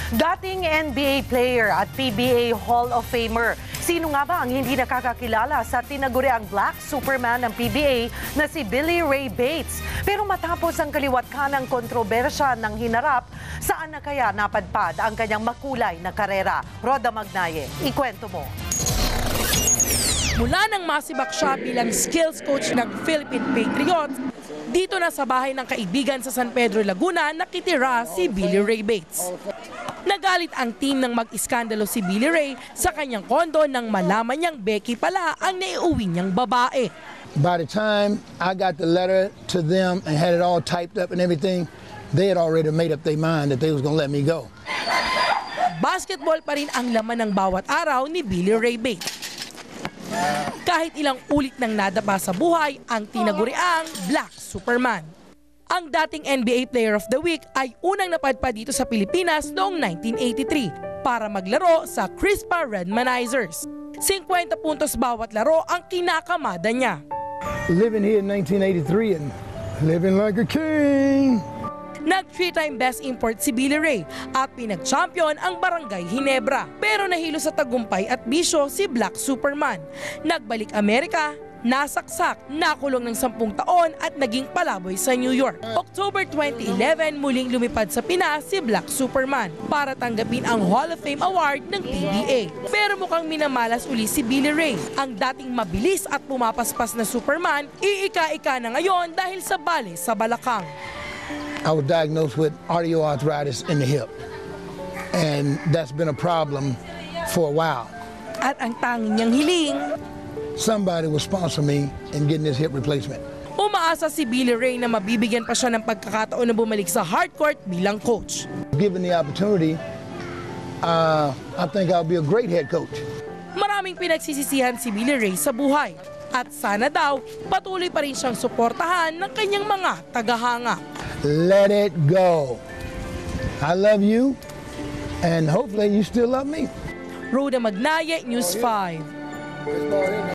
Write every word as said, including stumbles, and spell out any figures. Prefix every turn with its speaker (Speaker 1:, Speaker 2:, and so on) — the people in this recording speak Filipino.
Speaker 1: Dating N B A player at P B A Hall of Famer. Sino nga ba ang hindi nakakakilala sa tinaguriang Black Superman ng P B A na si Billy Ray Bates? Pero matapos ang kaliwat-kanang kontrobersya ng hinarap, saan na kaya napadpad ang kanyang makulay na karera? Roda Magnaye, ikwento mo.
Speaker 2: Mula nang masibak siya bilang skills coach ng Philippine Patriots, dito na sa bahay ng kaibigan sa San Pedro, Laguna, nakitira si Billy Ray Bates. Nagalit ang team ng mag-iskandalo si Billy Ray sa kanyang kondo nang malaman niyang Becky pala ang naiuwi niyang babae.
Speaker 3: By the time I got the letter to them and had it all typed up and everything, they had already made up their mind that they was gonna let me go.
Speaker 2: Basketball pa rin ang laman ng bawat araw ni Billy Ray Bates. Kahit ilang ulit nang nadapa sa buhay ang tinaguriang Black Superman. Ang dating N B A Player of the Week ay unang napadpad dito sa Pilipinas noong nineteen eighty-three para maglaro sa Crispa Redmanizers. fifty puntos bawat laro ang kinakamada niya.
Speaker 3: Living here in nineteen eighty-three and living like a king.
Speaker 2: Nag-three-time best import si Billy Ray at pinag-champion ang Barangay Ginebra. Pero nahilo sa tagumpay at bisyo si Black Superman. Nagbalik Amerika, nasaksak, nakulong ng sampung taon at naging palaboy sa New York. October twenty eleven, muling lumipad sa Pinas si Black Superman para tanggapin ang Hall of Fame Award ng P B A. Pero mukhang minamalas uli si Billy Ray. Ang dating mabilis at pumapaspas na Superman, iika-ika na ngayon dahil sa bali sa balakang.
Speaker 3: I was diagnosed with osteoarthritis in the hip, and that's been a problem for a while.
Speaker 2: At ang tanging niyang hiling,
Speaker 3: somebody will sponsor me in getting this hip replacement.
Speaker 2: Umaasa si Billy Ray na mabibigyan pa siya ng pagkakataon na bumalik sa hardcourt bilang coach.
Speaker 3: Given the opportunity, uh, I think I'll be a great head coach.
Speaker 2: Maraming pinagsisisihan si Billy Ray sa buhay. At sana daw, patuloy pa rin siyang suportahan ng kanyang mga tagahanga.
Speaker 3: Let it go. I love you, and hopefully you still love me.
Speaker 2: Roda Magnaye, News five.